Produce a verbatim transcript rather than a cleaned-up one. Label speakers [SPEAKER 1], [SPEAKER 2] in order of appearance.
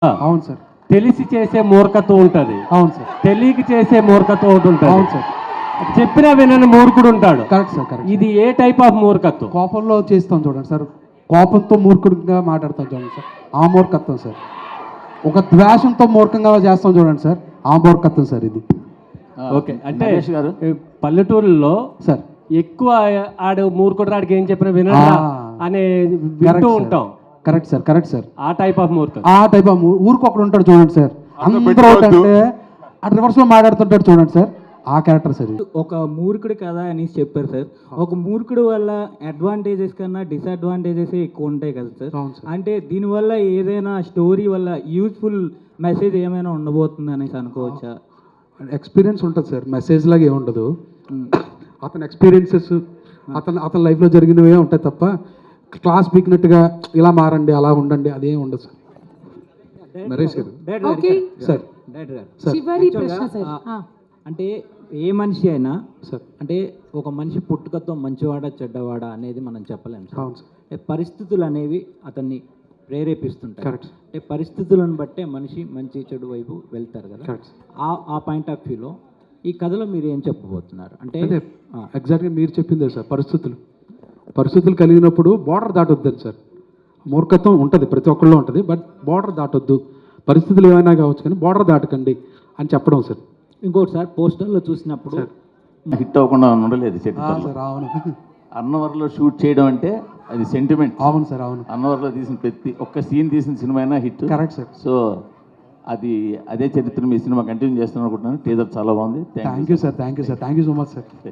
[SPEAKER 1] అవును సార్.
[SPEAKER 2] తెలిసి చేసే మూర్ఖత్వం ఉంటుంది.
[SPEAKER 1] అవును సార్.
[SPEAKER 2] తెలియక చేసే మూర్ఖత్వం ఒకటి ఉంటుంది.
[SPEAKER 1] అవును సార్.
[SPEAKER 2] చెప్పినా వినని మూర్ఖుడు ఉంటాడు.
[SPEAKER 1] Correct sir, correct.
[SPEAKER 2] ఇది ఏ టైప్ ఆఫ్ మూర్ఖత్వం?
[SPEAKER 1] కోపంలో చేస్తాం చూడండి సార్, కోపంతో మూర్ఖుడిగా మాట్లాడతాం చూడండి సార్, ఆ మూర్ఖత్వం సార్. ఒక ద్వేషంతో మూర్ఖంగా చేస్తాం చూడండి సార్, ఆ మూర్ఖత్వం సార్ ఇది.
[SPEAKER 2] ఓకే, అంటే పల్లెటూరులో
[SPEAKER 1] సార్
[SPEAKER 2] ఎక్కువ ఆడు మూర్ఖుడు రాడికి ఏం చెప్పినా వినడా అనే వింటూ ఉంటాం.
[SPEAKER 1] Correct sir, correct sir.
[SPEAKER 2] ఆ టైప్ ఆఫ్ మూర్ఖత్వం.
[SPEAKER 1] ఆ టైప్ ఆఫ్ ఊరికి ఒకడు ఉంటాడు చూడండి సార్, అందరూ అంటే అటు రివర్స్లో మాట్లాడుతుంటాడు చూడండి సార్, ఆ క్యారెక్టర్ సార్ ఇది.
[SPEAKER 3] ఒక మూర్ఖుడు కదా అని చెప్పారు సార్. ఒక మూర్ఖుడు వల్ల అడ్వాంటేజెస్ కన్నా డిసడ్వాంటేజెస్ ఎక్కువ ఉంటాయి కదా సార్. అంటే దీనివల్ల ఏదైనా స్టోరీ వల్ల యూస్ఫుల్ మెసేజ్ ఏమైనా ఉండబోతుంది అనేసి అనుకోవచ్చా?
[SPEAKER 1] ఎక్స్పీరియన్స్ ఉంటుంది సార్, మెసేజ్ లాగా ఏముండదు. అతని ఎక్స్పీరియన్సెస్ అతను అతని లైఫ్లో జరిగినవే ఉంటాయి తప్ప క్లాస్ పీకినట్టుగా ఇలా మారండి అలా ఉండండి అదేం ఉండదు సార్. నరేష్ గారు సార్,
[SPEAKER 4] చివరి ప్రశ్న సార్.
[SPEAKER 3] అంటే ఏ మనిషి అయినా
[SPEAKER 1] సార్,
[SPEAKER 3] అంటే ఒక మనిషి పుట్టుకతో మంచివాడా చెడ్డవాడా అనేది మనం చెప్పలేము సార్.
[SPEAKER 1] అవును సార్.
[SPEAKER 3] అంటే పరిస్థితులు అనేవి అతన్ని ప్రేరేపిస్తుంటాయి.
[SPEAKER 1] కరెక్ట్.
[SPEAKER 3] అంటే పరిస్థితులను బట్టే మనిషి మంచి చెడు వైపు వెళ్తారు కదా.
[SPEAKER 1] కరెక్ట్.
[SPEAKER 3] ఆ ఆ పాయింట్ ఆఫ్ వ్యూలో ఈ కథలో మీరు ఏం చెప్పబోతున్నారు? అంటే
[SPEAKER 1] ఎగ్జాక్ట్గా మీరు చెప్పిందే సార్, పరిస్థితులు పరిస్థితులు కలిగినప్పుడు బార్డర్ దాటొద్దని సార్. మూర్ఖత్వం ఉంటుంది, ప్రతి ఒక్కళ్ళు ఉంటుంది, బట్ బార్డర్ దాటొద్దు. పరిస్థితులు ఏమైనా కావచ్చు కానీ బార్డర్ దాటకండి అని చెప్పడం సార్.
[SPEAKER 3] ఇంకోటి సార్, పోస్టర్లో చూసినప్పుడు
[SPEAKER 5] హిట్ అవ్వకుండా ఉండలేదు
[SPEAKER 1] సార్. అవును
[SPEAKER 5] అన్నవరంలో షూట్ చేయడం అంటే అది సెంటిమెంట్.
[SPEAKER 1] అవును సార్, అవును.
[SPEAKER 5] అన్నవరంలో తీసిన ప్రతి ఒక్క సీన్ తీసిన సినిమా అయినా హిట్.
[SPEAKER 1] Correct sir.
[SPEAKER 5] సో అది అదే చరిత్ర మీ సినిమా కంటిన్యూ చేస్తాను అనుకుంటున్నాను. టీజర్ చాలా బాగుంది.
[SPEAKER 1] Thank you sir, thank you sir, thank you so much sir.